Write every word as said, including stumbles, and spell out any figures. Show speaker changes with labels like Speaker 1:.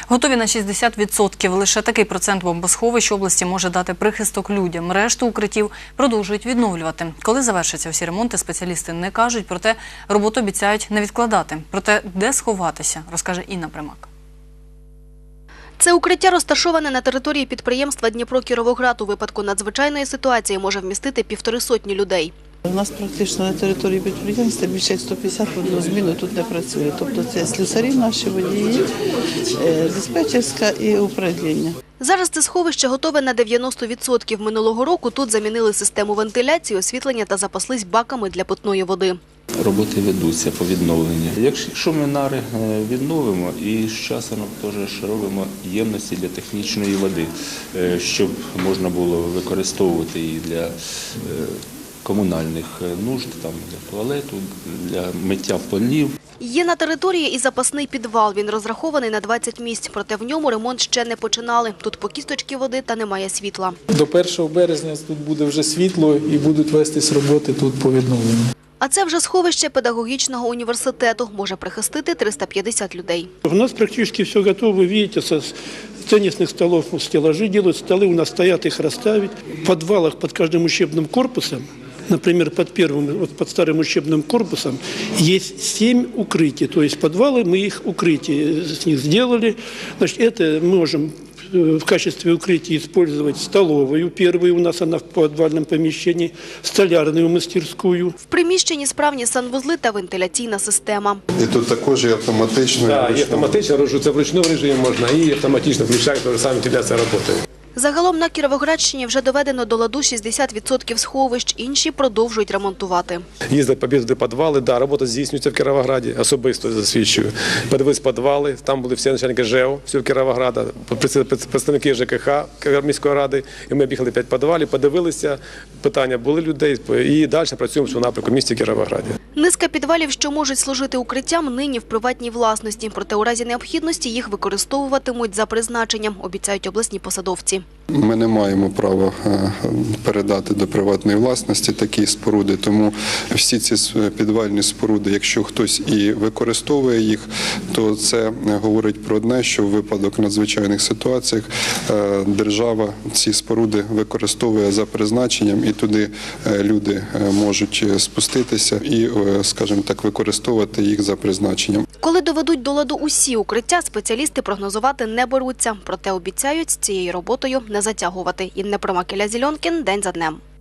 Speaker 1: Готові на шістдесят відсотків. Лише такий процент бомбосховищ області може дати прихисток людям. Решту укриттів продовжують відновлювати. Коли завершаться всі ремонти, спеціалісти не кажуть, проте роботу обіцяють не відкладати. Проте де сховатися, розкаже Інна Примак.
Speaker 2: Це укриття розташоване на території підприємства «Дніпро-Кіровоград». У випадку надзвичайної ситуації може вмістити півтори сотні людей.
Speaker 3: У нас практично на території підприємства більше як сто п'ятдесят в одну зміну тут не працює. Тобто це слюсарі наші, водії, диспетчерська і управління.
Speaker 2: Зараз це сховище готове на дев'яносто відсотків. Минулого року тут замінили систему вентиляції, освітлення та запаслись баками для питної води.
Speaker 4: Роботи ведуться по відновленню. Якщо ми нари відновимо, і з часом теж робимо ємності для технічної води, щоб можна було використовувати її для комунальних нужд, там, для туалету, для миття полів.
Speaker 2: Є на території і запасний підвал. Він розрахований на двадцять місць, проте в ньому ремонт ще не починали. Тут по кісточки води та немає світла.
Speaker 5: До першого березня тут буде вже світло і будуть вестись роботи тут по відновленню.
Speaker 2: А це вже сховище педагогічного університету. Може прихистити триста п'ятдесят людей.
Speaker 6: У нас практически все готово. Вы видите, со теннисных столов стеллажи делают, столы у нас стоят, их расставить. В подвалах под каждым учебным корпусом, например, под первым, вот под старым учебным корпусом, есть семь укрытий. То есть подвалы, мы их укрытия с них сделали. Значит, это мы можем в качестве укрытия использовать столовую. Первую у нас она в подвальном помещении, столярную мастерскую.
Speaker 2: В приміщенні справні санвузли та вентиляційна система.
Speaker 7: І тут також є автоматично.
Speaker 8: Так, і автоматично, це в ручному режимі можна, і автоматично включають, то саме вентиляція працює.
Speaker 2: Загалом на Кіровоградщині вже доведено до ладу шістдесят відсотків сховищ, інші продовжують ремонтувати.
Speaker 8: Їздять по підвали, да, робота здійснюється в Кіровограді, особисто засвідчую. Подивились підвали, там були всі начальники ЖЕО, всього Кіровограда, представники ЖКХ міської ради, і ми об'їхали п'ять підвалів, подивилися, питання були людей, і далі працюємо в напрямку в місті Кіровограді.
Speaker 2: Низка підвалів, що можуть служити укриттям, нині в приватній власності. Проте у разі необхідності їх використовуватимуть за призначенням, обіцяють обласні посадовці.
Speaker 7: Ми не маємо права передати до приватної власності такі споруди, тому всі ці підвальні споруди, якщо хтось і використовує їх, то це говорить про одне, що в випадок надзвичайних ситуаціях держава ці споруди використовує за призначенням, і туди люди можуть спуститися і, скажімо так, використовувати їх за призначенням.
Speaker 2: Коли доведуть до ладу усі укриття, спеціалісти прогнозувати не беруться. Проте обіцяють з цією роботою не затягувати. Інна Примак, Ілля Зільонкін. День за днем.